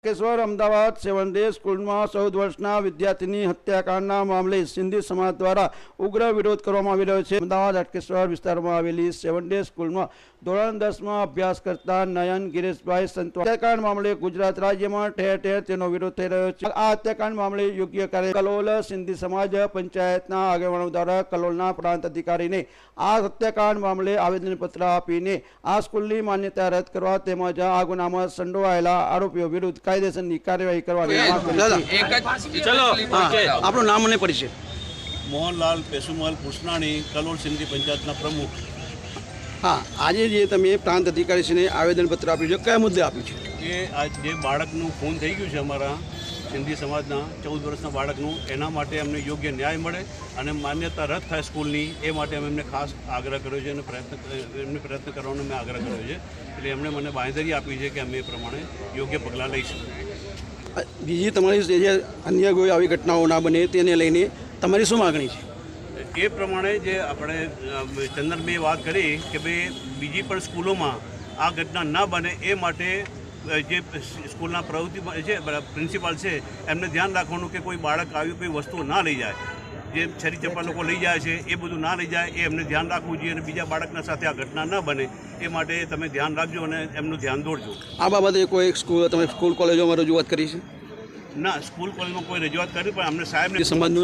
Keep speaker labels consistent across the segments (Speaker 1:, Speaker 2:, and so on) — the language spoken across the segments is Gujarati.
Speaker 1: કેશવર અમદાવાદ 7 ડે સ્કૂલમાં 14 વર્ષના વિદ્યાર્થીની હત્યાકાંડના મામલે સિંધી સમાજ દ્વારા ઉગ્ર વિરોધ કરવામાં આવી રહ્યો છે। અમદાવાદ હાટકેશ્વર વિસ્તારમાં આવેલી 7 ડે સ્કૂલમાં ધોરણ 10માં અભ્યાસ કરતા નયન ગિરીશભાઈ સંતવા હત્યાકાંડ મામલે ગુજરાત રાજ્યમાં ઠેર ઠેર તેનો વિરોધ થઈ રહ્યો છે। આ હત્યાકાંડ મામલે યોગ્ય કાર્ય કલોલ સિંધી સમાજ પંચાયતના આગેવાનો દ્વારા કલોલના પ્રાંત અધિકારીને આ હત્યાકાંડ મામલે આવેદનપત્ર આપીને આ સ્કૂલની માન્યતા રદ કરવા તેમજ આ ગુનામાં સંડોવાયેલા આરોપીઓ વિરુદ્ધ કાયદેસરની કાર્યવાહી કરવાની માંગ કરી છે। ચલો આપણું નામ અને પરિચય।
Speaker 2: મોહનલાલ પેસુમલ કૃષ્ણાણી, કલોલ સિંધી પંચાયતના પ્રમુખ।
Speaker 1: હા, આજે જે તમે પ્રાંત અધિકારીશ્રીને આવેદનપત્ર આપ્યું છે, કયા મુદ્દે આપ્યું છે?
Speaker 2: એ આ જે બાળકનું ખૂન થઈ ગયું છે અમારા સિંધી સમાજના 14 વર્ષના બાળકનું, એના માટે અમને યોગ્ય ન્યાય મળે અને માન્યતા રદ થાય સ્કૂલની, એ માટે અમે એમને ખાસ આગ્રહ કર્યો છે અને પ્રયત્ન કરવાનો મેં આગ્રહ કર્યો છે। એટલે એમણે મને બાંહેધરી આપી છે કે અમે એ પ્રમાણે યોગ્ય પગલાં લઈશું।
Speaker 1: બીજી તમારી જે અન્ય કોઈ આવી ઘટનાઓ ના બને તેને લઈને તમારી શું માગણી છે?
Speaker 2: એ પ્રમાણે જે આપણે ચંદનભાઈએ વાત કરી કે ભાઈ બીજી પણ સ્કૂલોમાં આ ઘટના ના બને એ માટે જે સ્કૂલના પ્રવૃત્તિ છે પ્રિન્સિપાલ છે એમને ધ્યાન રાખવાનું કે કોઈ બાળક આવી કોઈ વસ્તુઓ ના લઈ જાય, જે છરી ચપ્પા લોકો લઈ જાય છે એ બધું ના લઈ જાય, એ એમને ધ્યાન રાખવું જોઈએ અને બીજા બાળકના સાથે આ ઘટના ન બને એ માટે તમે ધ્યાન રાખજો અને એમનું ધ્યાન દોરજો।
Speaker 1: આ બાબતે કોઈ સ્કૂલ કોલેજોમાં રજૂઆત કરી છે?
Speaker 2: ના, સ્કૂલ કોલેજમાં કોઈ રજૂઆત કરી, પણ અમને સાહેબને
Speaker 1: સમાજનું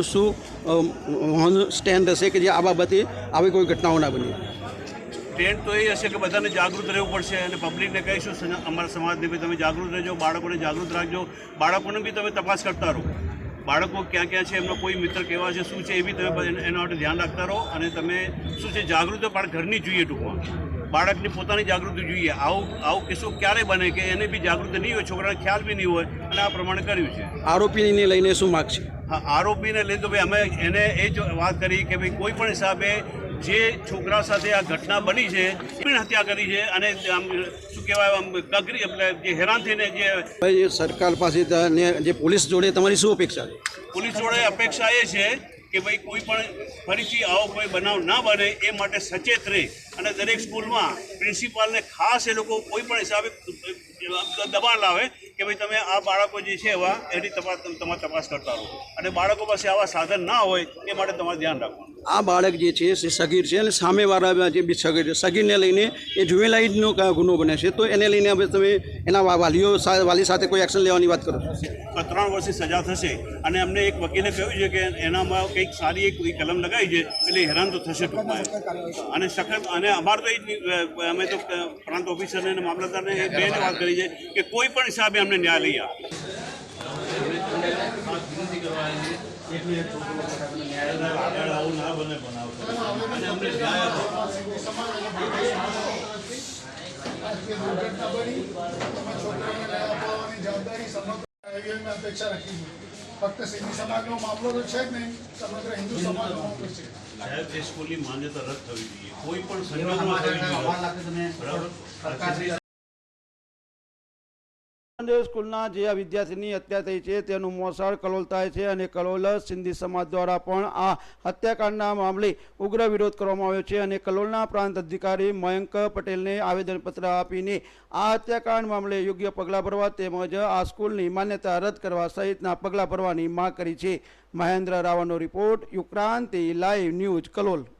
Speaker 1: શું સ્ટેન્ડ હશે કે જે આ બાબતે આવી કોઈ ઘટનાઓ ના બને?
Speaker 2: ટ્રેન્ડ તો એ હશે કે બધાને જાગૃત રહેવું પડશે અને પબ્લિકને કહીશું અમારા સમાજને બી તમે જાગૃત રહેજો, બાળકોને જાગૃત રાખજો, બાળકોને બી તમે તપાસ કરતા રહો, બાળકો ક્યાં ક્યાં છે, એમનો કોઈ મિત્ર કેવા છે, શું છે એ બી તમે એના માટે ધ્યાન રાખતા રહો અને તમે શું છે જાગૃતિ પણ ઘરની જોઈએ, ટૂંકમાં બાળકની પોતાની જાગૃતિ જોઈએ। આવું કિસ્સો ક્યારે બને કે એને બી જાગૃતિ નહીં હોય, છોકરાને ખ્યાલ બી નહીં હોય અને આ પ્રમાણે કર્યું છે।
Speaker 1: આરોપીને લઈને શું માગ છે?
Speaker 2: હા, આરોપીને લઈને તો ભાઈ અમે એને એ જ વાત કરી કે ભાઈ કોઈ પણ હિસાબે જે છોકરા સાથે આ ઘટના બની છે એની હત્યા કરી છે અને આમ શું કહેવાય આમ કગરી એટલે જે હેરાન થઈને જે
Speaker 1: સરકાર પાસે જે પોલીસ જોડે તમારી શું અપેક્ષા છે?
Speaker 2: પોલીસ જોડે અપેક્ષા એ છે કે ભાઈ કોઈ પણ ફરીથી આવો કોઈ બનાવ ના બને એ માટે સચેત રહે અને દરેક સ્કૂલમાં પ્રિન્સિપાલને ખાસ એ લોકો કોઈ પણ હિસાબે દબાણ લાવે કે ભાઈ તમે આ બાળકો જે છે એવા એની તમારે તપાસ કરતા રહો અને બાળકો પાસે આવા સાધન ના હોય એ માટે તમારે ધ્યાન રાખવાનું।
Speaker 1: આ બાળક જે છે એ સગીર છે અને સામેવાળા જે બી સગીર છે, સગીરને લઈને એ જુવેલાઇડનો ગુનો બને છે, તો એને લઈને હવે તમે એના વાલી સાથે કોઈ એક્શન લેવાની વાત કરો છો?
Speaker 2: 3 વર્ષની સજા થશે અને અમને એક વકીલે કહ્યું છે કે એનામાં કંઈક સારી એક કલમ લગાવી છે એટલે હેરાન તો થશે ટૂંકમાં અને સખત અને અમારે તો અમે તો પ્રાંત ઓફિસરને અને મામલતદારને બેને વાત કરી છે કે કોઈ પણ હિસાબે અમને ન્યાય લઈ આપે।
Speaker 3: અપેક્ષા રાખી ફક્ત સિંધી સમાજનો મામલો તો છે જ નહીં, સમગ્ર હિન્દુ સમાજનો મામલો છે।
Speaker 2: સાહેબ, એ સ્કૂલની માન્યતા રદ થવી જોઈએ, કોઈ પણ સંજોગોમાં થવી જોઈએ, બરાબર?
Speaker 1: સ્કૂલના જે આ વિદ્યાર્થીની હત્યા થઈ છે તેનું મોસાળ કલોલ થાય છે અને કલોલ સિંધી સમાજ દ્વારા પણ આ હત્યાકાંડના મામલે ઉગ્ર વિરોધ કરવામાં આવ્યો છે અને કલોલના પ્રાંત અધિકારી મયંક પટેલને આવેદનપત્ર આપીને આ હત્યાકાંડ મામલે યોગ્ય પગલાં ભરવા તેમજ આ સ્કૂલની માન્યતા રદ કરવા સહિતના પગલાં ભરવાની માંગ કરી છે। મહેન્દ્ર રાવળનો report, Yukranti live news, Kalol.